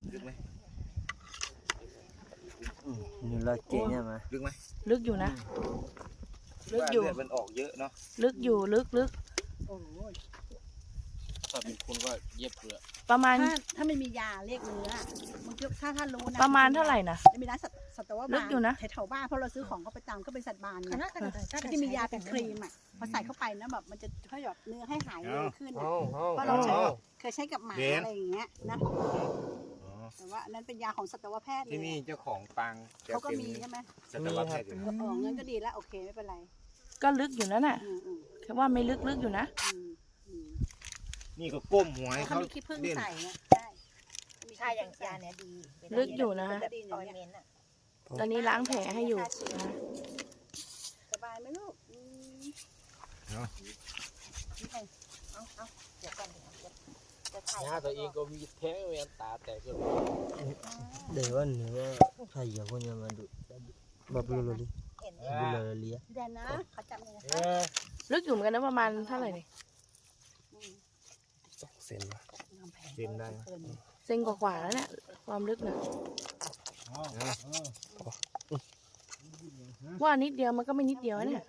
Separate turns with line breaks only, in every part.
ลึกไหม
นี่เราเจ๋งใช่ไหม
ลึกไหม
ลึกอยู่นะลึกอยู่
มันออกเยอะเนาะ
ลึกอยู่ลึก
โอ้โห
ถ้าเป็นคนก็เย็บเลย
ประมาณ
ถ้าไม่มียาเรียกเนื้อมันถ้ารู้นะ
ประมาณเท่าไหร่นะ
มีร้านสัตวบาล
ลึกอยู่นะ
แถวบ้านเพราะเราซื้อของก็ประจำก็เป็นสัตว์บาลไงที่มียาเป็นครีมอ่ะพอใส่เข้าไปนะแบบมันจะช่วยหยอดเนื้อให้หายเร็วขึ้นเพราะเราเคยใช้กับหมาอะไรอย่างเงี้ยนะแต่ว่านั้นเป็นยาของสัตวแพทย์เลย
ที่นี่เจ้าของปัง
เขาก็มีใช่ไหม
สัตวแพทย์อยู่
งั้นก็ดีแล้วโอเคไม่เป็นไร
ก็ลึกอยู่นั่นน่ะแค่ว่าไม่ลึกอยู่นะ
นี่ก็ก้มหัวให้เขา
มีขี้ผึ้งใส่นะ
ใช่อย่างยาเนี่ยดี
ลึกอยู่นะตอนนี้ล้างแผลให้อยู่นะ
สบายไหมลูก
เดี๋ยวก่อนจะถ่าย
หน้าตัวเองก็มีแท้เวียนตาแต่ก็
เดี๋ยววันนี้ว่าใครอยากคนจะมาดูแบบรู้เลย
เห็น
ดูเลยเลี้ย
เดี๋ยวนะเขาจำเลยนะ
ลึกอยู่เหมือนกันนะประมาณเท่าไหร่เนี่ย
2 เซนวะเซนได้
เซนกว่าแล้วเนี่ยความลึกเนี่ยว่านิดเดียวมันก็ไม่นิดเดียวเนี่ย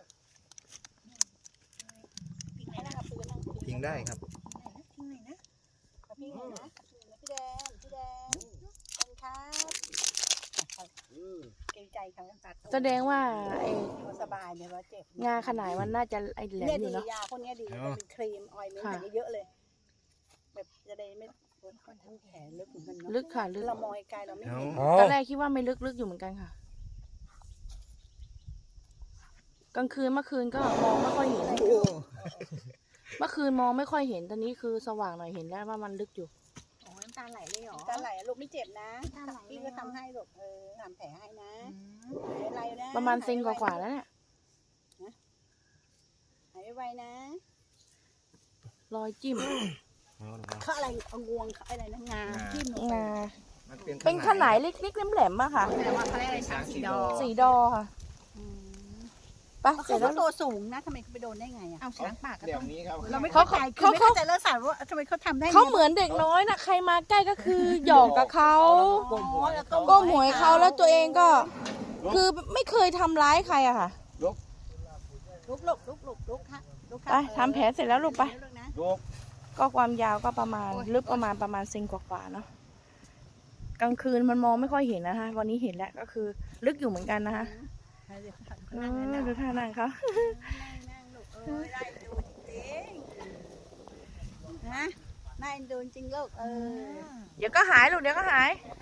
ทิ้งได้ครับ
ทิ้งไหนนะพี่นะพี่แดงเป็นครับเกรงใจเขา
แสดงว่าไอ้
สบายเนี่ยว่าเจ็บ
งาขนาดมันน่าจะไอ้แหลมอยู่เนาะ
ยาพวกนี้ดีเป็นครีมออยล์มันเยอะเลยแบบจะได้ไม่คนทำแผลลึกเหมือนกันเนาะ
ลึกค่ะลึก
เรามองไกลเราไม่เห็น
ตอนแรกคิดว่าไม่ลึกอยู่เหมือนกันค่ะกลางคืนเมื่อคืนก็มองไม่ค่อยเห็นเมื่อคืนมองไม่ค่อยเห็นตอนนี้คือสว่างหน่อยเห็นแล้วว่ามันลึกอยู่
โอ้น้ำตาไหลเลยเหรอ
น้ำตาไหลลูกไม่เจ็บนะพี่ก็ทำให้ลูกทำแผลให้นะอะไรนะ
ประมาณเซนกว่าแล้วเนี่ย
หายไวนะ
รอยจิ้ม
เขาอะไรเอางวงอะไรนะงาจิ้มลง
งาเป็นขนาดเล็กๆแหลมๆอะค่ะ
แต่ว่าเขาเรียกอะไรช้าง
สีดอค่ะปะ
เขาก็ตัวสูงนะทำไมเขาไปโดนได้ไงอ่ะ
เอาช้างป่าก็ต้อง
เราไม่เข้าใจคือไม่เข้าใจแล้วสารว่าทำไมเขาทำได้
เขาเหมือนเด็กน้อยนะใครมาใกล้ก็คือหยอกกับเขาก็หมวยเขาแล้วตัวเองก็คือไม่เคยทำร้ายใครอะค่ะ
ลุกค่ะ
ไปทำแผลเสร็จแล้วลูกไปก็ความยาวก็ประมาณลึกประมาณเซนกว่าเนาะกลางคืนมันมองไม่ค่อยเห็นนะคะวันนี้เห็นแล้วก็คือลึกอยู่เหมือนกันนะคะดูท่านั่งเขา
ได้ดูจริงนะน่าเอ็นดูจริงลูก
เดี๋ยวก็หายลูกเดี๋ยวก็หาย